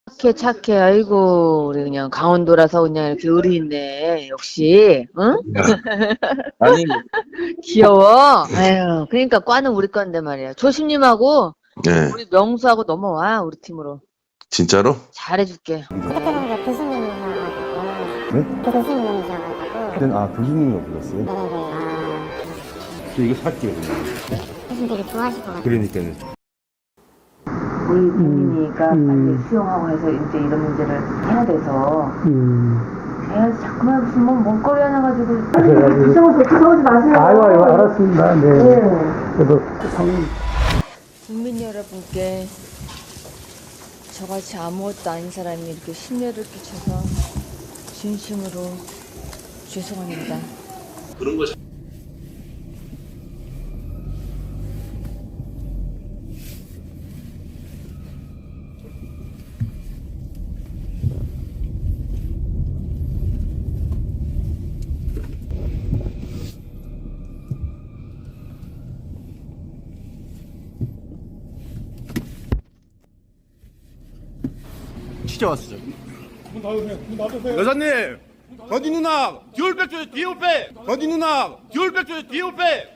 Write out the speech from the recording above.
착해, 착해. 아이고, 우리 그냥 강원도라서 그냥 이렇게 의리 있네. 역시, 응? 아니, 귀여워. 아유, 그러니까 과는 우리 건데 말이야. 조심님하고 네, 우리 명수하고 넘어와, 우리 팀으로. 진짜로? 잘해줄게. 그때는 이제 교수님이셔가지고 네? 교수님이셔가지고 그때는 교수님이라고 불렀어요? 네네네 저 이거 살게요 그냥. 교수님 되게 좋아하실 것 같아요. 그러니까는. 우리 국민이가 빨리 수용하고 해서 이제 이런 문제를 해야 돼서. 애가 자꾸만 무슨 뭐 먹거리 하나 가지고. 불쌍해서 불쌍하지 마세요. 아유, 알았습니다. 네. 그래도 국민 여러분께 저같이 아무것도 아닌 사람이 이렇게 심려를 끼쳐서 진심으로 죄송합니다. 진짜 왔어. 여사님, 건디 누나, 뒤올 백 줘요, 뒤올 백. 건디 누나, 뒤올 백 줘요, 뒤올 백.